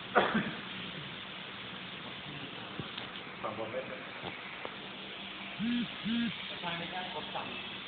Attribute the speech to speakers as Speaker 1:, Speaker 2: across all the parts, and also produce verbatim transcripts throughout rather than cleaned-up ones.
Speaker 1: ฝั่งบนไม่เป็นทางในการกดสั่ง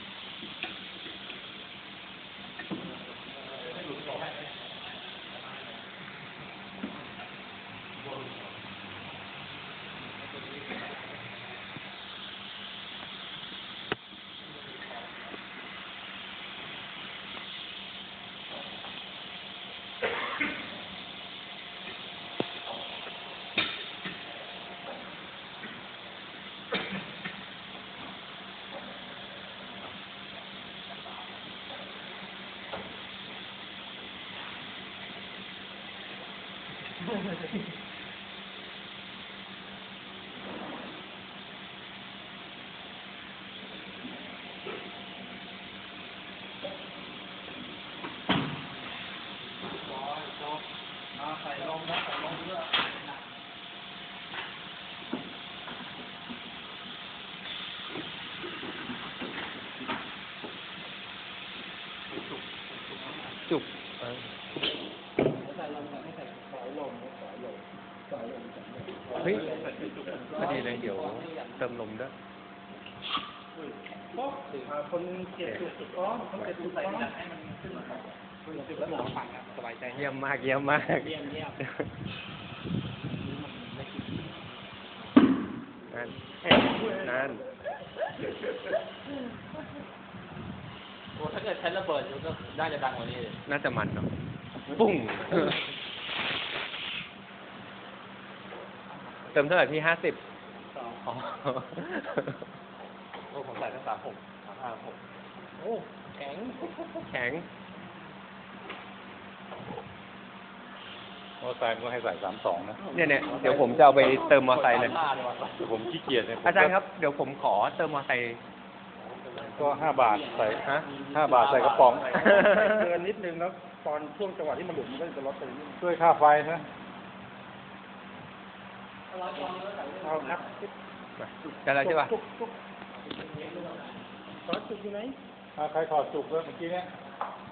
Speaker 1: ใส่ลงนะใส่ลงเยอะ
Speaker 2: จุก
Speaker 1: ใส่ลงให้ใส่สายลมสายลมสายลม
Speaker 2: เฮ้ยพอดีเลยเดี๋ยวเติมลมด้วย
Speaker 1: คนเจ็บจุดก้อนคนเจ็บจุดก้อนให้มันขึ้นมาก่อนจุดแล้วหมอฟังครับสบายใจ
Speaker 2: เยี่ยมมากเยี่ยมมาก
Speaker 1: เยี่ยมเยี่ยม
Speaker 2: นั่นนั่น
Speaker 1: โอ้ถ้าเกิดใช้ระเบิดก็น่าจะดังกว่านี้เลย
Speaker 2: น่าจะมันเนาะปุ้งเติมเท่าไหร่พี่ห้าสิบอ๋อ
Speaker 1: โอ้ผมใส่ตั้งสามหกสามห้าหกโอ้แข็ง
Speaker 2: แข็ง
Speaker 3: มอไซค์ก็ให้ใส่สามสองนะ
Speaker 2: เนี่ยเนี่ยเดี๋ยวผมจะเอาไปเติมมอไซค์เลย
Speaker 3: ผมขี้เกียจเนี่ย
Speaker 2: อาจารย์ครับเดี๋ยวผมขอเติมมอไซค์
Speaker 3: ก็ห้าบาทใส่
Speaker 2: ฮะ
Speaker 3: ห้าบาทใส่กระป๋อง
Speaker 1: เกินนิดนึงแล้วตอนช่วงจังหวะที่มันหลุดมันก็จะลดไปนิดนึง
Speaker 3: ช่วยค่าไฟนะ
Speaker 1: เอาครับ
Speaker 2: ได้แล้วใช่ป่ะ
Speaker 1: ขอจุกอยู่ไหน
Speaker 3: ใครถอดจุกแล้วเมื่อกี้เนี่ย